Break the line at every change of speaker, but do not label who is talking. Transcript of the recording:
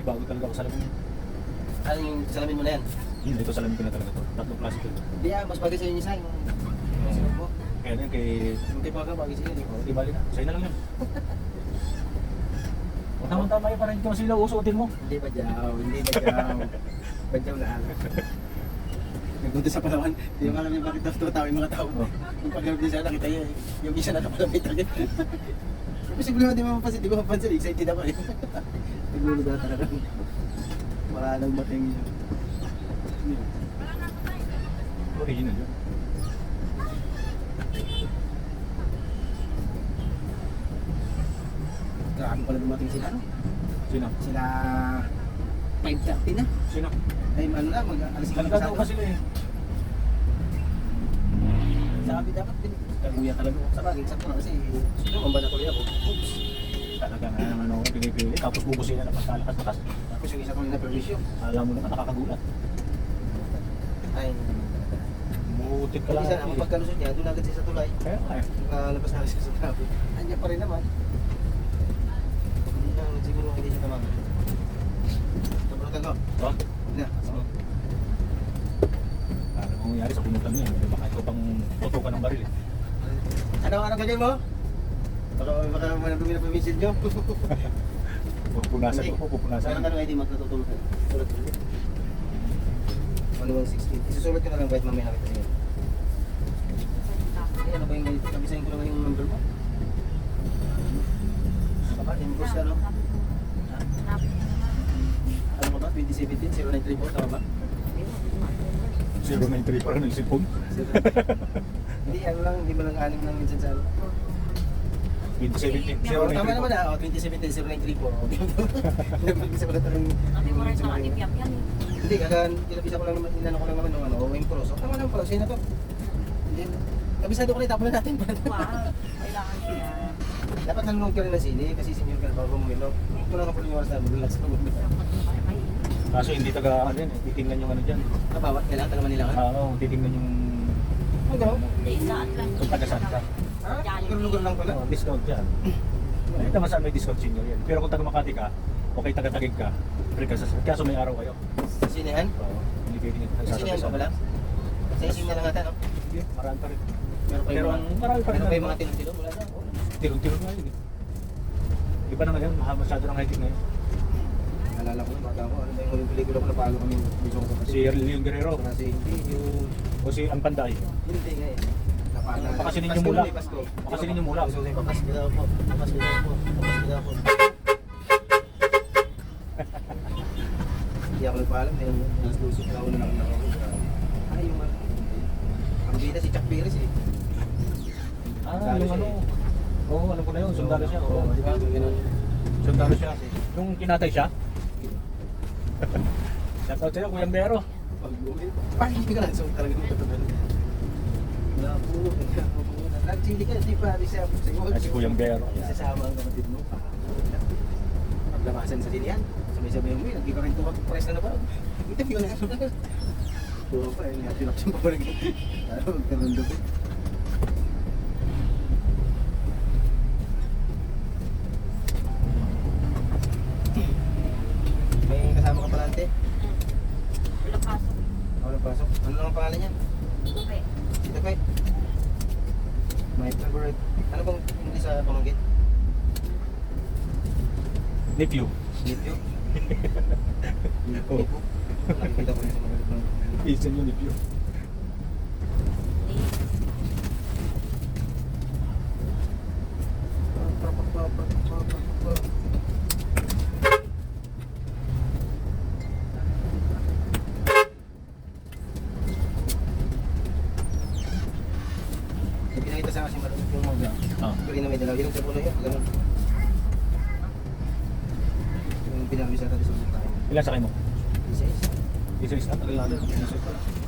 nagbago talaga ako sa salamin.
Ano yung salamin mo na yan?
Yun, ito salamin ko na talaga to. Tatlong klase ko.
Hindi mas bagay sa'yo yung isa. Yung mo.
Kaya na kay...
Hindi bagay sa'yo.
Di bali na. Sa'yo na lang yun. Tama-tama yun, parang hindi ko sila usuotin mo.
Hindi ba jaw? Badyaw na alam. Nagpunta sa Palawan, hindi mo alam yung bakit tao yung mga tao. Yung pag-grab din siya, nakita niya yung isa na napalamit agad. Posible mo di mo mapansin, di mo mapansin, excited ako eh. Naglulog na talaga. Wala nang bating niya.
Original yun.
Grabe pala dumating sila, no?
Sino?
Sila 5:30 na.
Sino?
Ay, ano na, mag-alas 5
Nagkataon pa sila eh.
Sabi dapat din, kaguya talaga. Sa bagay, sakto na kasi, sino ang bala tuloy ako? Oops.
Talaga na ano, pinipili. Tapos bubusin na pagkalakas-lakas.
Tapos yung isa ko na permission.
Alam mo naman, nakakagulat.
Ay,
Mutik ka lang.
isa ang pagkalusot niya, doon agad siya sa tulay.
Kaya nga eh.
Nakalabas na siya sa traffic. Andiyan pa rin naman. Hindi lang, siguro hindi siya tamang. Tabunutan ko.
Oh,
Na, sige.
ano ang nangyari sa punutan niya? Baka ito pang tutukan ng baril eh.
Anong gagawin mo? Baka manabumi na permission nyo.
Pupunasan ko, pupunasan.
Ano ID magtutulog ka? Sulat ko. 1116. Isusulat ko na lang kahit mamaya nakita niyo. Ay, ano ba yung nabisahin ko lang yung number mo? Ano ba? Invoice ka, no? Ano ba ba? 2017, 0934, tama ba?
093 parang nagsipon.
Hindi, ano lang, hindi ba lang anim lang minsan sa ano?
2017,
Tama
093
naman ah, 2017, 0934. Nag-isa ko na talagang... Hindi, kinabisa ko lang naman, inano ko lang naman ng ano, OM Pro. So, tama naman pala, sino to? Hindi, kabisado ko na, itapon na natin.
Wow, kailangan siya.
Dapat nanonood ka rin ng sine, kasi senior ka na bago mo ilo. Ito lang kapag yung oras na, relax na mo.
Kaso hindi taga ano yan eh, titingnan yung ano dyan.
Bawat kailangan talaga nila ka?
Oo, titingnan yung
Ano gano'n?
Isaan lang.
kung taga saan ka.
Lugar-lugar lang pala.
Oo, discount dyan. Hindi naman saan may discount senior yan. Pero kung taga Makati ka, o kay taga Taguig ka, free ka sa kaso may araw kayo.
Sa sinehan?
Oo, hindi pwede nyo
Sa sinehan pa pala? Sa ising na lang ata, no?
Hindi, marami pa rin.
Meron pa
Pero
yung
ang marami pa rin.
meron pa yung mga tilong-tilong? Wala na.
Tirong-tirong nga yun eh. Iba na ngayon, masyado ng hiking ngayon.
Naalala ko na, bata ko, ano ba yung huling pelikula ko na palo kami bisong ko
Si Leon Guerrero,
Kasi hindi yung...
o si Ampanday.
Hindi nga eh. Napala.
Pakasinin yung mula.
Pasko.
Pakasinin yung mula.
Papasko daw po. Papasko daw po. Papasko daw po. Hindi ako nagpaalam. Alas 12 na ako na ako. Ay, yung ano. Ang bida si Chuck Perez eh.
Ah, yung ano. Oo, alam ko na yun. Sundalo siya. Oo,
Di ba? Ganun.
sundalo siya. Yung kinatay siya. Shoutout sa'yo, Kuya Bero.
Pag bumili. Parang hindi ka lang. So talaga yung totoo. Wala po. Nag-chili ka. Di pa. Di siya.
Ah, si Kuya Bero.
Isasama ang kapatid mo. Paglamasan sa sinihan. Sabay-sabay mo yun. Nagkikarinto ka. Press na na ba? Interview na. Oo pa. Tinapsin pa pa rin. Ano? Magkaroon doon. May kasama ka pala ante?
Walang pasok.
Walang pasok. Ano lang ang pangalan niya?
Tupe.
Si Tapay. My favorite. Ano bang hindi sa pamangkin?
Nephew.
Nephew?
Oo.
Nakikita ko rin sa mga ibang.
Isan yung nephew.
Pinakita sa akin malapit yung mga pero na may dalaw. Yung sa puno yun, ganun. Yung pinabisa natin sa ulit tayo.
Ilan sakay mo?
Isa-isa.
Isa-isa. Tagal natin. Isa-isa.